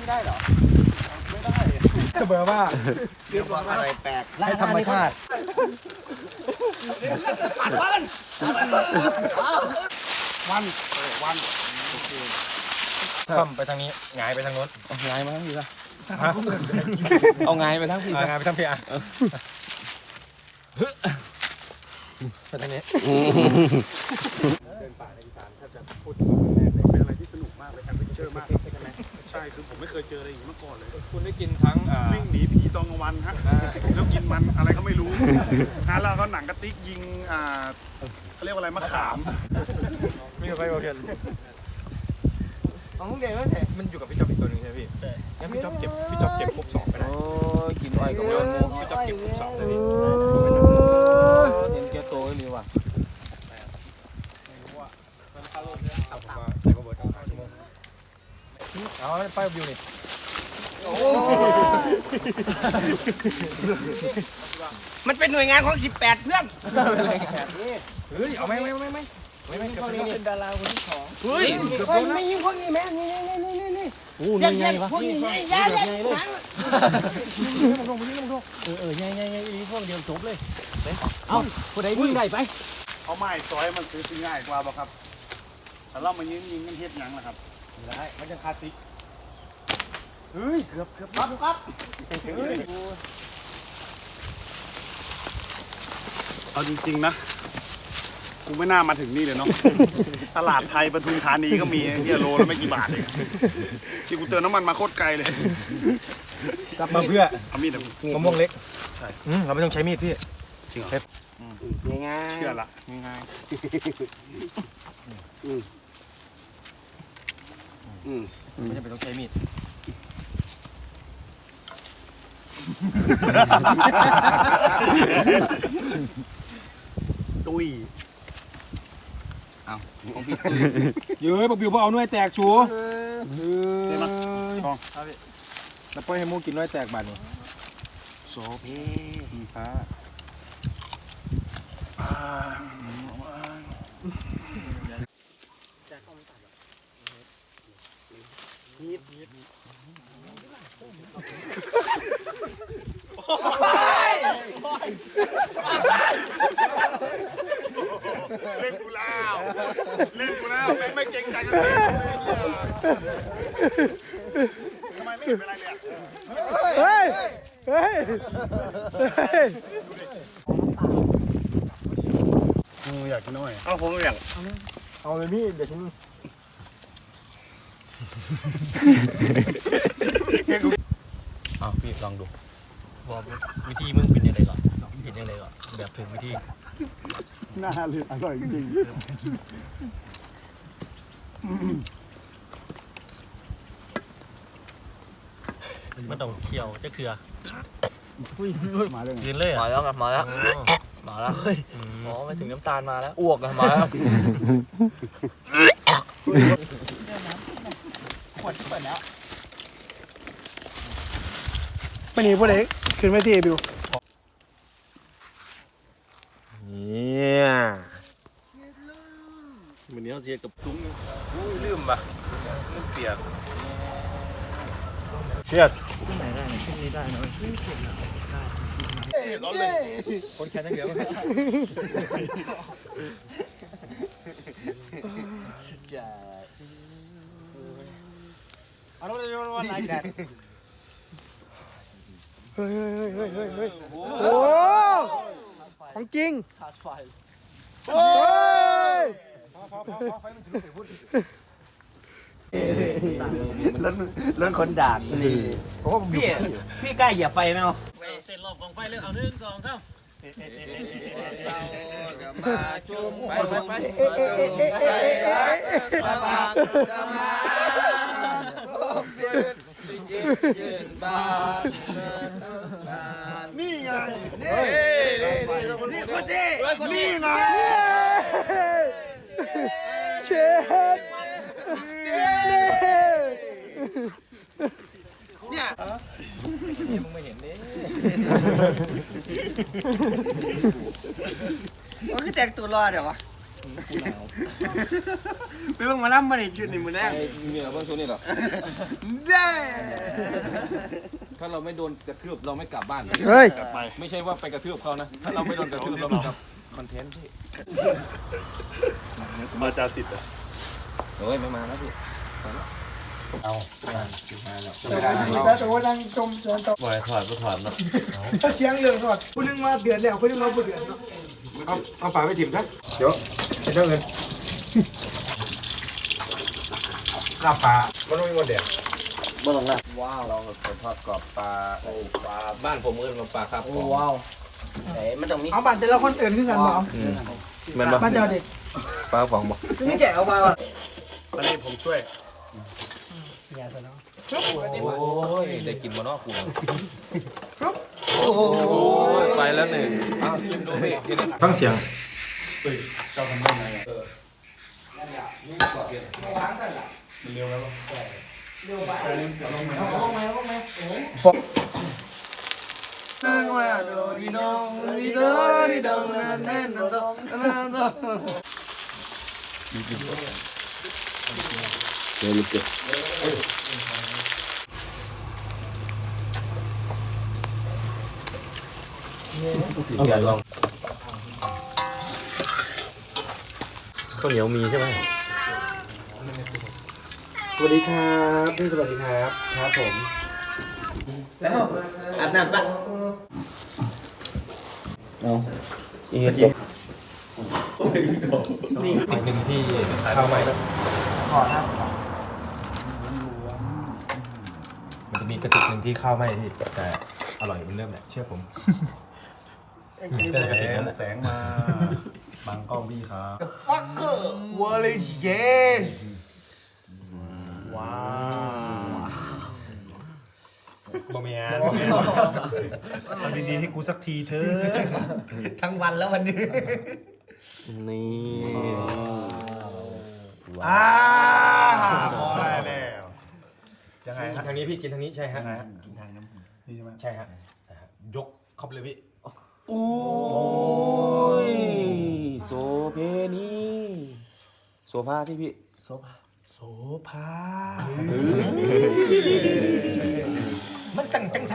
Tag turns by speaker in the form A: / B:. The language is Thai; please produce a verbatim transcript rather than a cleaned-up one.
A: ได้เหรอไม่ได้
B: เสมอว่า
A: เรื่องอะไรแปลก
B: ให้ธรรมชาติ
A: ปัดวัน
B: วันวันคว่ำไปทางนี้หงายไปทางโน้น
A: หงายมาทั้งทีละ
B: เอาหงายไปทางพี่หงายไปทางพี่อ่ะไปทางนี้เดินป่าในอีสานถ้าจะพูดถึงแรกเลยเป็นอะไรที่สนุกมากเลยแอดเวนเจอร์มากใช่คือผมไม่เคยเจออะไรอย่างนี้มาก่อนเลยคุณได้กินทั้งวิ่งหนีผีตอนกลางวันฮะแล้วกินมันอะไรก็ไม่รู้ฮะแล้วก็หนังกระติกยิงอ่าเขาเรียกว่าอะไรมะขามมีอะไรโอเค
A: ของมึงเด็กมั้ยเถอะ
B: มันอยู่กับพี่จ๊อบอีกตัวนึงใช่ไหมพี่ใช่งั้นพี่จ๊อบเก็บพี่จ๊อบเก็บครบสองไปไหน
A: โอ้กินอ้อยกับโยนหมู
B: พี่จ๊อบเก็บครบสองเลยพี่
A: เห็นแก่โตนี่ว่ะ
B: เอาผมมาใส่กระบอกตั้งห้าชั่วโมงเอาไปวิวนี่
A: มันเป็นหน่วยงานของสิบแปดเพื่อน
B: เฮ้ยเอาไหมไม่ไม่ไม่ไม่ไม่
A: คนนี้เป็นดาราคนที่สอง
B: เฮ้ย
A: ไม่ยิงพวกนี้แม่นี่นี่นี่นี่นี่
B: โอ้ยไงวะ
A: พวกนี้ไงยาเลย
B: นี่มึงดูมึงดูมึงดู
A: เออเออไงไงไงอีพวกเดียวจบเลยเอาผู้ใดยิงได้ไป
B: เอาไม้ซอยมันซื้อง่ายกว่าป่ะครับแต่เรามายิงยิงกันเทียบยังนะครับได้มันจะคลาสสิกเฮ้ยเกือบเกือบ
A: ปั๊บปั๊บ
B: เอาจริงๆนะกูไม่น่ามาถึงนี่เลยเนาะตลาดไทยปทุมธานีก็มีเฮียโลแล้วไม่กี่บาทเองที่กูเติมน้ำมันมาโคตรไกลเลยกลับมาเพื่อเอามีดมะม่วงเล็กใช่เราไม่ต้องใช้มีดพี่จริงเหรอ
A: ง่าย
B: เชื่อละง่าย
A: อืมอืม
B: ไม่จำเป็นต้องใช้มีดตุย
A: เอาของพี่ตุย
B: เย้ยบอกบิวบอกเอาหน่วยแตกชัวเฮ้ยมาทองแล้วปล่อยให้มูกินหน่วยแตกบาดนี่
A: โซเพ
B: ฟ้าเล่นกูแล้วเล่นกูแล้วไม่ไม่เก่งใจกันเลยทำไมไม่เห็นเป็นไรเลยเฮ้ยเฮ้ยอยากกินน้อยเอาผมอยากเอาเลยพี่เดี๋ยวฉันเอาพี่ลองดูบอกวิธีมึงเป็นยังไงก่อนเป็นยังไงก่อนแบบถูกวิธีน่าเลยอร่อยจริงมันต้องเคี่ยวจะเคือมาเลยกินเลย
A: มาแล้วมาแล้วมาแล้วอ๋อมาถึงน้ำตาลมาแล้วอ้วกอะมาแล้วขวดเปิดแล้ว
B: ไปหนีพวกเด็กขึ้นไม่ทีบิวเนี่ยวันนี้เราเสียกับซุ้งอุ้ยลืมปะลืมเปียกเปียกขึ้นไหนได้ขึ้นนี้ได้นะขึ้นสุดนะได้ร้อนเลยคนแค่นั้นเดียวเอาแล้วจะวันไหนแดดเฮ้ยเฮ้ยเฮ้ยเฮ้ยเฮ้ยโอ้ของจริงขาดไฟโอ้ยพอพอพอพอไฟมันถึงเสียพูด
A: เรื่องเรื่องคนด่านี่พี่พี่กล้าเหยียบไฟไหมเอา
C: เสร็จรอบกองไฟเลยเอาหนึ่งสองสาม
A: เราจะมาจุ่มไปไปไปมาบางจะมายืนบาน
B: นี่ไง
A: นี่นี่คนนี้
B: นี่ไงเชฟ
A: เนี่ย
B: นี่มึงไม่เห็นนี่
A: มันคือแต่งตัวรอเดี๋ยววะไม่ต้องมาล่ำมาในชุดนี่มือแรก
B: เมียเพิ่งชุดนี่หรอ
A: เด้
B: ถ้าเราไม่โดนกระทืบเราไม่กลับบ้าน
A: เฮ้ย
B: กลับไปไม่ใช่ว่าไปกระทืบเขานะถ้าเราไม่โดนกระทืบเราไม่กลับคอนเทนต์พี่
D: มาจาสิทธิ์อ่ะ
B: เฮ้ยไม่มาแล้วพี่เอา
E: แต่โอ้ดังจมจนตก
C: บ่อยถอดก็ถอดเนาะ
E: เสียงเรื่องทอดผู้นึงมาเดือดแล้วผู้นึงมาบ่เดือดเนาะ
B: เอาเอาปลาไปถิ่มซะเดี๋ยวจะได้เงินลาบปลามันต้องมีวันเดียว
C: เบิ่งละ
B: ว้าวเราเป็นทอดกรอบปลาโอ้ปลาบ้านผมเอิ้นว่าปลาครับ
C: โอ้ว้าวไหนมันต้องมี
E: เอาบัตรแต่ละคนเอื่นขึ้นกันบ่
B: มันบ่
E: มาเจ้าเด็ก
B: ปลาฟองบ่
E: ไม่แกะเอามาก่อน
D: อันนี้ผมช่วย
B: โอ้ยได้กินบ่เนาะกูโอ้ยไปแล้วหนึ่งเอาชิมดูพี่ฟังเสียง
E: นึงว่าโดดีดงดีโดดีดงนั่นนั่นนั่นนั่นนั่น
B: เอาใหญ่ลองข้าวเหนียวมีใช่ไหม
A: สวัสดีครับพี่สวัสดีครับครับผมแล้วอาบน้ำปะเอาอีกทีนี่
B: อีกหนึ่งที่ข้าวใหม่
E: ขอห้าสิบบาท
B: มันจะมีกระติกหนึ่งที่ข้าวไหม้ที่แต่อร่อยเหมือนเดิมแหละเชื่อผม
D: แสงแสงมาบังกล้องพี่ครับ
A: ฟักเกอร์วอลเลย์เยส
D: ว้าว
B: บะเมียน
D: เอาดีๆให้กูสักทีเถอะ
A: ทั้งวันแล้ววันนี้
B: นี่
D: อ่าพอได้แล้วยังไงฮะ
B: ทางนี้พี่กินทางนี้ใช่ฮะ
D: ยังไงฮะกินทางน้ำนี่ใช่ไหม
B: ใช่ฮะใช่ฮะยกเข้าไปเลยพี่
C: โอ้ยโซเพนีโซฟาที่พี่
A: โซฟา
D: โสภา
B: มันตั้งจังสั